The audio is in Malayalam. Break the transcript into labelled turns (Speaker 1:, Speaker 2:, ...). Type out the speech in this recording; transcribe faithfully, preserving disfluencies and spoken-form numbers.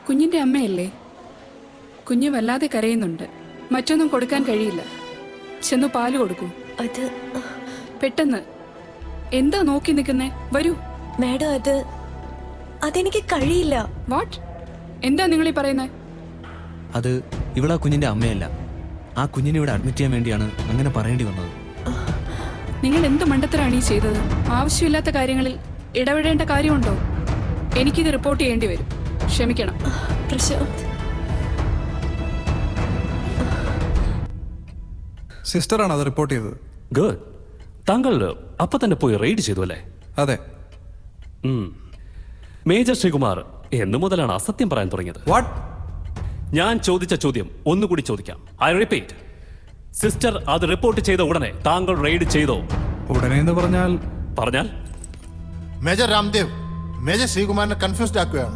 Speaker 1: കുഞ്ഞിന്റെ അമ്മയല്ലേ? കുഞ്ഞ് വല്ലാതെ കരയുന്നുണ്ട്. മറ്റൊന്നും കൊടുക്കാൻ കഴിയില്ല. ചെന്നു പാല് കൊടുക്കൂ.
Speaker 2: അത്
Speaker 1: പെട്ടെന്ന്. എന്താ നോക്കി നിൽക്കുന്നേ? വരൂ.
Speaker 2: മാഡം, അത് അതെനിക്ക് കഴിയില്ല.
Speaker 1: വാട്ട്? എന്താ നിങ്ങളീ പറയുന്നത്?
Speaker 3: അത് ഇവളാ കുഞ്ഞിന്റെ അമ്മയല്ല. ആ കുഞ്ഞിനെ ഇവിടെ അഡ്മിറ്റ് ചെയ്യാൻ വേണ്ടിയാണ് അങ്ങനെ പറയേണ്ടി വന്നത്.
Speaker 1: നിങ്ങൾ എന്ത് മണ്ടത്തരാണ് ഈ ചെയ്തത്? ആവശ്യമില്ലാത്ത കാര്യങ്ങളിൽ ഇടപെടേണ്ട കാര്യമുണ്ടോ? എനിക്കിത് റിപ്പോർട്ട് ചെയ്യേണ്ടി വരും. ക്ഷമിക്കണം.
Speaker 2: പ്രശാന്ത്,
Speaker 4: സിസ്റ്ററാണ് അത് റിപ്പോർട്ട് ചെയ്തത്.
Speaker 5: ഗുഡ്. താങ്കൾ അപ്പൊ തന്നെ പോയി റെയ്ഡ് ചെയ്തു അല്ലേ?
Speaker 4: അതെ.
Speaker 5: മേജർ ശ്രീകുമാർ എന്നു മുതലാണ് അസത്യം പറയാൻ തുടങ്ങിയത്?
Speaker 4: വാട്ട്?
Speaker 5: ഞാൻ ചോദിച്ച ചോദ്യം ഒന്നുകൂടി ചോദിക്കാം. I repeat. സിസ്റ്റർ അത് റിപ്പോർട്ട് ചെയ്ത ഉടനെ താങ്കൾ റെയ്ഡ് ചെയ്തോ?
Speaker 4: ഉടനെ എന്ന് പറഞ്ഞാൽ
Speaker 5: പറഞ്ഞാൽ
Speaker 6: മേജർ രാംദേവ് മേജർ ശ്രീകുമാറിനെ കൺഫ്യൂസ്ഡ് ആക്കുകയാണ്.